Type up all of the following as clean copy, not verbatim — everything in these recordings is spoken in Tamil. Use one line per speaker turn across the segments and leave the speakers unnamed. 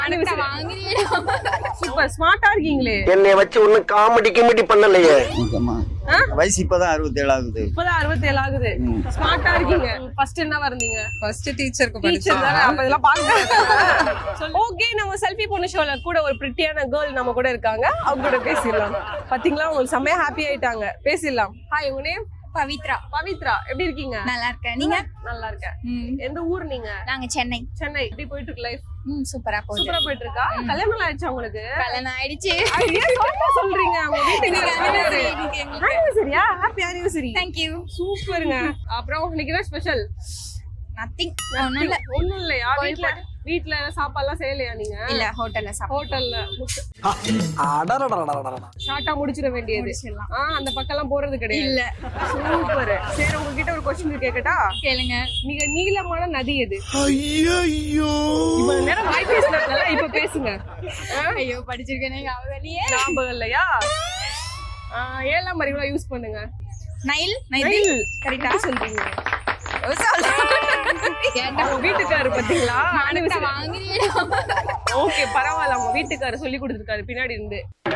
சூப்பர் ஸ்மார்ட்டா இருக்கீங்களே.
என்னை வச்சு ஒண்ணும் காமெடி பண்ணலையே.
வயசு இப்பதான் 67 ஆகுது.
இப்பதான் 67 ஆகுது. ஸ்மார்ட்டா இருக்கீங்க. ஃபர்ஸ்ட் என்ன வந்தீங்க?
ஃபர்ஸ்ட் டீச்சருக்கு
டீச்சர் தானே. அப்ப இதெல்லாம் பாக்க. ஓகே, நம்ம செல்ஃபி பொண்ணு ஷோல கூட ஒரு பிரிட்டியான கேர்ள் நம்ம கூட இருக்காங்க. அவங்க கூட பேசிடலாம். பாத்தீங்களா, உங்களுக்கு செம்மையா ஹாப்பி ஆயிட்டாங்க. பேசிடலாம். ஹாய், உங்க நேம்?
பவித்ரா.
பவித்ரா, எப்படி இருக்கீங்க?
நல்லா இருக்கேன். நீங்க?
நல்லா இருக்கேன். எந்த ஊர் நீங்க?
நாங்க சென்னை.
சென்னை. எப்படி போயிட்டு இருக்கு லைஃப்?
சூப்பரா போகுது.
சூப்பரா போயிட்டு இருக்கா? கல்யாணம் ஆயிடுச்சா உங்களுக்கு?
கல்யாணம் ஆயிடுச்சு.
ஏன் சோகமா சொல்றீங்க? அவங்க வீட்டுக்கு சரியா? Happy anniversary.
Thank you.
சூப்பருங்க. அப்புறம் இன்னைக்கு என்ன ஸ்பெஷல்?
நத்திங்.
ஒண்ணும் இல்லையா? வீட்ல சாப்பாடுலாம் செய்யலையா நீங்க?
இல்ல, ஹோட்டல்ல
ஹோட்டல்ல ஷார்ட்டா முடிச்சிட வேண்டியது. அந்த பக்கம்லாம் போறது கிடையாது.
இல்ல.
சூப்பர். சரி, உங்ககிட்ட ஒரு क्वेश्चन கேக்கட்டா?
கேளுங்க.
மிக நீளமான நதி எது? ஐயோ, இவ்வளவு நேரம் வாய் பேசினாங்கல, இப்ப பேசுங்க.
ஐயோ, படிச்சிருக்கேனே,
ஞாபகம் இல்லையா? 7ஆம் அறிவுல யூஸ் பண்ணுங்க.
நைல்.
கரெக்டா சொல்றீங்க. உங்க வீட்டுக்காரு பாத்தீங்களா? ஓகே, பரவாயில்ல. உங்க வீட்டுக்காரு சொல்லி கொடுத்துருக்காரு பின்னாடி இருந்து.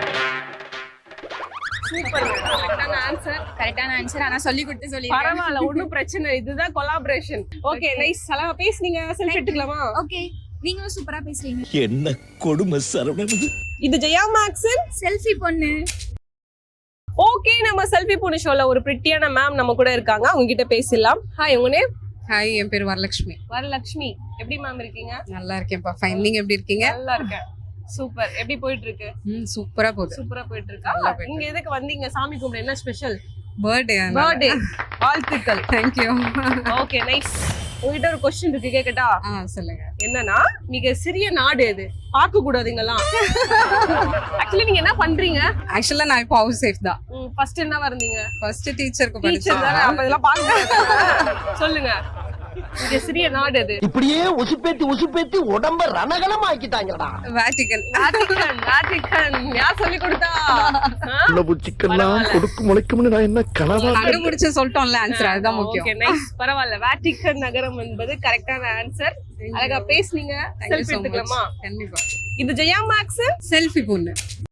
சூப்பர்.
கரெக்டான ஆன்சர். ஆனா சொல்லி கொடுத்து சொல்லி
பரவாயில்ல, ஒண்ணும் பிரச்சனை. இதுதான் கொலாபரேஷன். Okay, nice. அழகா பேசுனீங்க. செல்ஃபி எடுத்துக்கலாமா?
ஓகே, நீங்களும் சூப்பரா பேசுறீங்க.
என்ன கொடுமை சரவணன்.
இது ஜெயா மேக்ஸின்
செல்ஃபி பொண்ணு.
ஓகே, நம்ம செல்ஃபி பொண்ணு ஷோல ஒரு பிரிட்டியான மேம் நம்ம கூட இருக்காங்க. அவங்க கிட்ட பேசலாம். ஹாய், உங்க நேம்?
ஹாய், என் பேர் வரலட்சுமி.
வரலட்சுமி, எப்படி மேம் இருக்கீங்க?
நல்லா இருக்கேன்ப்பா. ஃபைன். நீங்க எப்படி இருக்கீங்க?
நல்லா இருக்கேன். சூப்பர். எப்படி போயிட்டு இருக்கு?
சூப்பரா போகுது.
சூப்பரா போயிட்டு இருக்கா? இங்க எதுக்கு வந்தீங்க? சாமி கும்பிட என்ன ஸ்பெஷல்?
பர்த்டே.
வாழ்த்துக்கள்.
Thank you.
Okay, nice. உங்ககிட்ட ஒரு क्वेश्चन இருக்கு, கேக்கட்டா?
சொல்லுங்க.
என்னன்னா, மிக சிறிய நாடு எது? பார்க்க கூடாதுங்கலாம். ஆக்சுவலி நீங்க என்ன பண்றீங்க?
ஆக்சுவலா நான் இப்போ ஹவுஸ் சேஃப் தான்.
ஃபர்ஸ்ட் என்ன வந்தீங்க?
ஃபர்ஸ்ட் டீச்சருக்கு
டீச்சர் தானே. அப்ப இதெல்லாம் பாக்க. சொல்லுங்க, மிக சிறிய நாடு எது?
இப்படியே உசுப்பேத்தி உடம்ப ரணகலம் ஆக்கிட்டாங்கடா.
வேட்டிகன்.
வேட்டிகன். யார் சொல்லி கொடுத்தா?
புச்சிக்கெல்லாம் கொடுக்கு முளைக்கும்னு நான் என்ன கனவா
கண்டுபிடிச்சு சொல்லிட்டோம்ல ஆன்சர். அதுதான் முக்கியம்.
Okay, nice. பரவாயில்ல. வேட்டிகன் நகரம் என்பது கரெக்டான ஆன்சர். அழகா பேசுனீங்க. செல்ஃபி எடுத்துக்கலாமா?
கண்டிப்பா.
இது ஜெயா மேக்ஸ்
செல்ஃபி பொண்ணு.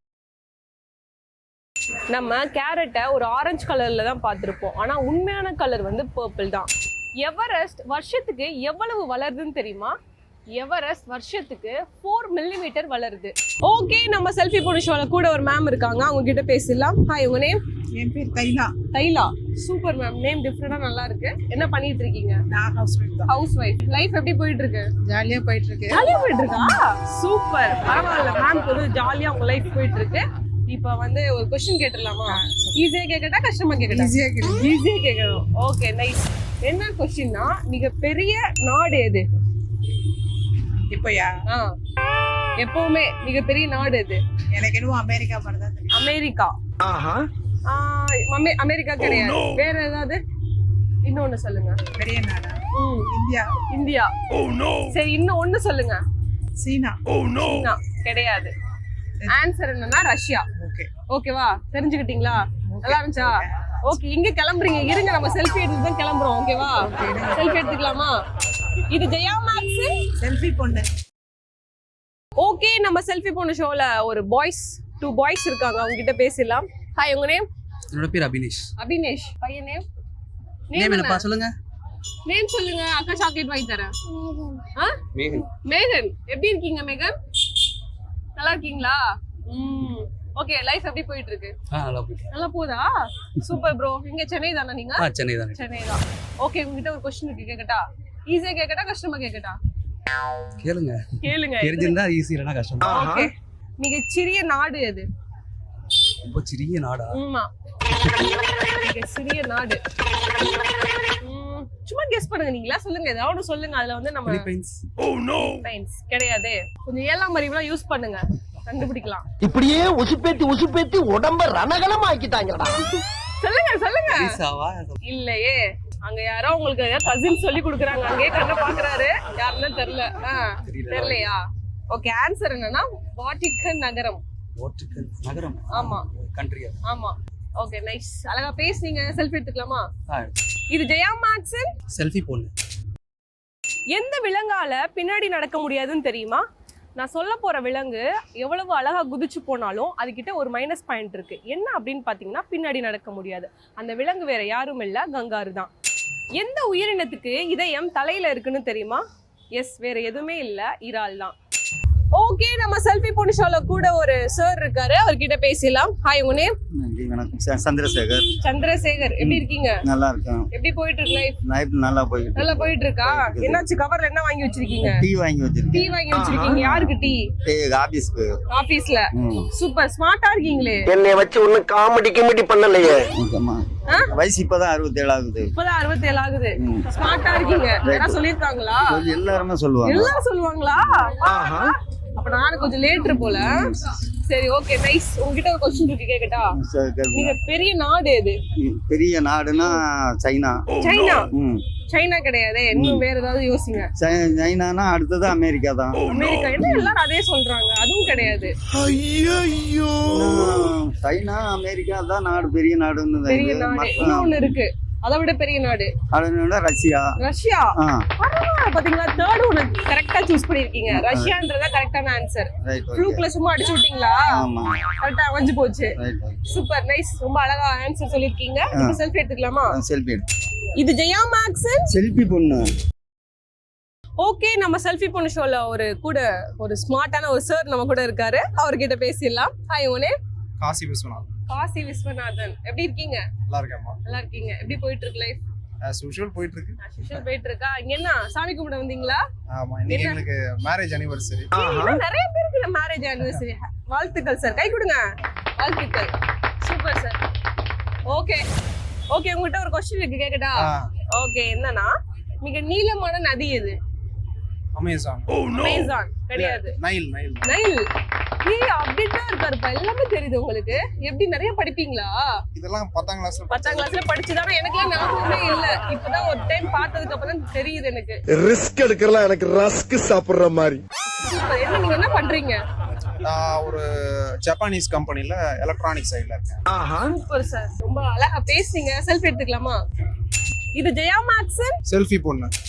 நம்ம கேரட்டை ஒரு ஆரஞ்சு கலர்ல தான் பார்த்திருப்போம். ஆனா உண்மையான கலர் வந்து பர்பிள் தான். எவரெஸ்ட் வருஷத்துக்கு எவ்வளவு வளருதுன்னு தெரியுமா? எவரெஸ்ட் வருஷத்துக்கு 4 மில்லிமீட்டர் வளருது. ஓகே, நம்ம செல்ஃபி பொண்ணு ஷோல கூட ஒரு மேம் இருக்காங்க. அவங்க கிட்ட பேசலாம். ஹாய், உங்க நேம்?
என் பேர் Thaila.
Thaila, super ma'am. Name டிஃபரெண்டா நல்லா இருக்கு. என்ன பண்ணிட்டு இருக்கீங்க?
நான் ஹவுஸ் ஒய்ஃப் தான்.
Housewife. லைஃப் எப்படி போயிட்டு இருக்கு?
ஜாலியா போயிட்டு இருக்கு.
ஜாலியா போயிட்டு இருக்கா? சூப்பர். பரவாயில்ல, மேம்க்கு வந்து ஜாலியா உங்க லைஃப் போயிட்டு இருக்கு. இப்ப வந்து ஒரு क्वेश्चन கேட்டலாமா? ஈஸியா கேக்கட்டா கஷ்டமா கேக்கட்டா? ஈஸியா கேக்கணும். Okay, nice. என்ன क्वेश्चनனா, மிக பெரிய நாடு எது?
இப்போயா?
எப்பவுமே மிகப்பெரிய நாடு எது?
எனக்கு என்னவோ அமெரிக்கா மாதிரி தான் தெரியும்.
அமெரிக்கா. அமெரிக்கா கிடையாது. வேற ஏதாவது இன்னொன்னு சொல்லுங்க.
பெரிய நாடா? இந்தியா.
இந்தியா. சரி, இன்னும் ஒண்ணு சொல்லுங்க.
சீனா.
சீனா கிடையாது. ஆன்சர் என்னன்னா ரஷ்யா. ஓகேவா? தெரிஞ்சுக்கிட்டீங்களா? நல்லா இருந்துச்சா? ஓகே, இங்க கிளம்புறீங்க. இருங்க, நம்ம செல்ஃபி எடுத்து தான் கிளம்புறோம். ஓகேவா? செல்ஃபி எடுத்துக்கலாமா? இது ஜெயா மேக்ஸ்
செல்ஃபி பொண்ணு.
ஓகே, நம்ம செல்ஃபி பொண்ணு ஷோல ஒரு டூ பாய்ஸ் இருக்காங்க. அவங்க கிட்ட பேசலாம். ஹாய், உங்க நேம்?
என்னோட பேர் அபினேஷ்.
அபினேஷ். பையன் நேம்?
நேம் என்னப்பா சொல்லுங்க.
நேம் சொல்லுங்க. அக்கா சாக்லேட் வாங்கி தரேன். மேகன். எப்படி இருக்கீங்க மேகன்? நல்லா இருக்கீங்களா? ஓகே, லைஃப் எப்படி போயிட்டு இருக்கு? நல்லா போதா? Super bro. இங்க சென்னை தானே நீங்க?
சென்னை தான்.
சென்னை தான். ஓகே, உங்ககிட்ட ஒரு क्वेश्चन இருக்கு, கேக்கட்டா? ஈஸியா கேக்கட்டா கஷ்டமா கேக்கட்டா?
கேளுங்க. தெரிஞ்சிருந்தா ஈஸி, இல்லனா கஷ்டம்.
ஓகே, மிக சிறிய நாடு எது?
ரொம்ப சிறிய நாடா?
ஆமா, மிக சிறிய நாடு. சும்மா கெஸ் பண்ணுங்க. நீங்களா சொல்லுங்க, ஏதாவது சொல்லுங்க. அதுல வந்து நம்ம பிலிப்பைன்ஸ் கிடையாது. கொஞ்சம் 7ஆம் அறிவுலாம் யூஸ் பண்ணுங்க, கண்டுபிடிக்கலாம்.
இப்படியே உசுப்பேத்தி உடம்ப ரணகலம் ஆக்கிட்டாங்கடா.
சொல்லுங்க. இல்லையே, அங்க யாரோ உங்களுக்கு கசின் சொல்லி கொடுக்குறாங்க. அங்கேயே கண்ண பாக்குறாரு. யாருன்னு தெரியலையா? ஓகே, ஆன்சர் என்னன்னா வாட்டிகன் நகரம்.
நகரம்?
ஆமா.
கண்ட்ரி?
ஆமா. Okay, nice. அழகா பேசுனீங்க. செல்ஃபி எடுத்துக்கலாமா? இது ஜெயா மேக்ஸின்
செல்ஃபி பொண்ணு.
எந்த விலங்கால பின்னாடி நடக்க முடியாதுன்னு தெரியுமா? நான் சொல்ல போற விலங்கு எவ்வளவு அழகா குதிச்சு போனாலும் அதுகிட்ட ஒரு மைனஸ் பாயிண்ட் இருக்கு. என்ன அப்படின்னு பாத்தீங்கன்னா பின்னாடி நடக்க முடியாது. அந்த விலங்கு வேற யாரும் இல்ல, கங்காரு தான். எந்த உயிரினத்துக்கு இதயம் தலையில இருக்குன்னு தெரியுமா? எஸ், வேற எதுவுமே இல்ல, இறால் தான். ஓகே, நம்ம செல்ஃபி பொண்ணு ஷோல கூட ஒரு சார் இருக்காரு, அவர்கிட்ட பேசலாம். ஹாய், உங்க நேம்?
நன்றி, வணக்கம். சந்திரசேகர்.
சந்திரசேகர், எப்படி இருக்கீங்க?
நல்லா இருக்கேன்.
எப்படி போயிட்டு இருக்கு லைஃப்?
லைஃப் நல்லா போயிட்டு
நல்லா போயிட்டு இருக்கா? என்னாச்சு, கவர்ல என்ன வாங்கி வச்சிருக்கீங்க?
டீ வாங்கி வச்சிருக்கேன்.
டீ வாங்கி வச்சிருக்கீங்க. யாருக்கு டீ?
ஆபீஸ்க்கு.
ஆபீஸ்ல. சூப்பர், ஸ்மார்ட்டா இருக்கீங்களே.
என்னை வச்சு ஒன்னும் காமெடி பண்ணலையே.
வயசு இப்பதான் 67 ஆகுது.
இப்பதான் 67 ஆகுது. ஸ்மார்ட்டா இருக்கீங்க. யாரா சொல்லிருக்காங்களா?
எல்லாருமே சொல்லுவாங்க.
எல்லாரும் சொல்லுவாங்களா? அப்ப நானும் கொஞ்சம் லேட்டர் போல. சரி, ஓகே, நைஸ். உங்ககிட்ட ஒரு क्वेश्चन இருக்கு, கேக்கட்டா? நீங்க பெரிய நாடு எது?
பெரிய நாடுனா சைனா.
சைனா? சைனா கிடையாது, இன்னும் வேற ஏதாவது யோசிங்க.
சைனானா அடுத்தது அமெரிக்கா தான்.
அமெரிக்கா? என்ன எல்லாரும் அதே சொல்றாங்க? அதுவும் கிடையாது.
ஐயோ,
சைனா அமெரிக்கா தான் நாடு, பெரிய நாடுன்னு.
பெரிய நாடு இன்னொன்னு இருக்கு, அதை விட பெரிய நாடு.
அதனால ரஷ்யா.
ரஷ்யா? பாத்தீங்களா, தேர்ட் ஒன்னு கரெக்டா சூஸ் பண்ணிருக்கீங்க. ரஷ்யான்றதா கரெக்டான ஆன்சர். ஃப்ளூக்ல சும்மா அடிச்சு விட்டீங்களா?
ஆமா,
கரெக்டா அமைஞ்சு போச்சு. Super, nice. ரொம்ப அழகா ஆன்சர் சொல்லிருக்கீங்க. இப்ப செல்ஃபி எடுத்துக்கலாமா?
செல்ஃபி.
இது ஜெயா மேக்ஸன்
செல்ஃபி பொண்ணு.
ஓகே, நம்ம செல்ஃபி பொண்ணு ஷோல ஒரு ஸ்மார்ட்டான ஒரு சார் நம்ம கூட இருக்காரு, அவர்கிட்ட பேசிடலாம். ஹாய், உனே?
காசி விஸ்வநாதன்.
காசி விஸ்வநாதன், எப்படி இருக்கீங்க?
நல்லா இருக்கேம்மா.
நல்லா இருக்கீங்க. எப்படி போயிட்டு இருக்கு லைஃப்?
as usual போயிட்டு இருக்கு.
as usual போயிட்டு இருக்கா? இங்க என்ன சாமி கும்பிட வந்தீங்களா?
ஆமா, இன்னைக்கு எங்களுக்கு மேரேஜ் அனிவர்சரி.
நிறைய பேருக்கு மேரேஜ் அனிவர்சரி. வாழ்த்துக்கள் சார், கை கொடுங்க. வாழ்த்துக்கள். Super sir. ஓகே ஓகே, உங்ககிட்ட ஒரு क्वेश्चन இருக்கு, கேக்கட்டா? ஓகே, என்னன்னா மிக நீளமான நதி எது?
அமேசான்.
அமேசான் கிடையாது.
நைல்.
நைல்? ஏய், அப்டேட்டா இருக்காருப்பா, எல்லாமே தெரியுது உங்களுக்கு. எப்படி நிறைய படிப்பீங்களா?
இதெல்லாம் 10ஆம் கிளாஸ்ல
10ஆம் கிளாஸ்ல படிச்சுதானே? எனக்குலாம் ஞாபகமே இல்ல. இப்பதான் ஒரு டைம் பார்த்ததுக்கு அப்புறம் தான் தெரியுது எனக்கு.
ரிஸ்க் எடுக்கிறலாம் எனக்கு ரஸ்க் சாப்பிடுற மாதிரி.
சூப்பர். என்ன நீங்க என்ன பண்றீங்க?
நான் ஒரு ஜப்பானீஸ் கம்பெனில எலக்ட்ரானிக் சைடுல இருக்கேன்.
சூப்பர் சார், ரொம்ப அழகா பேசுறீங்க. செல்ஃபி எடுத்துக்கலாமா? இது ஜெயா மேக்ஸன்.
செல்ஃபி பொண்ணு.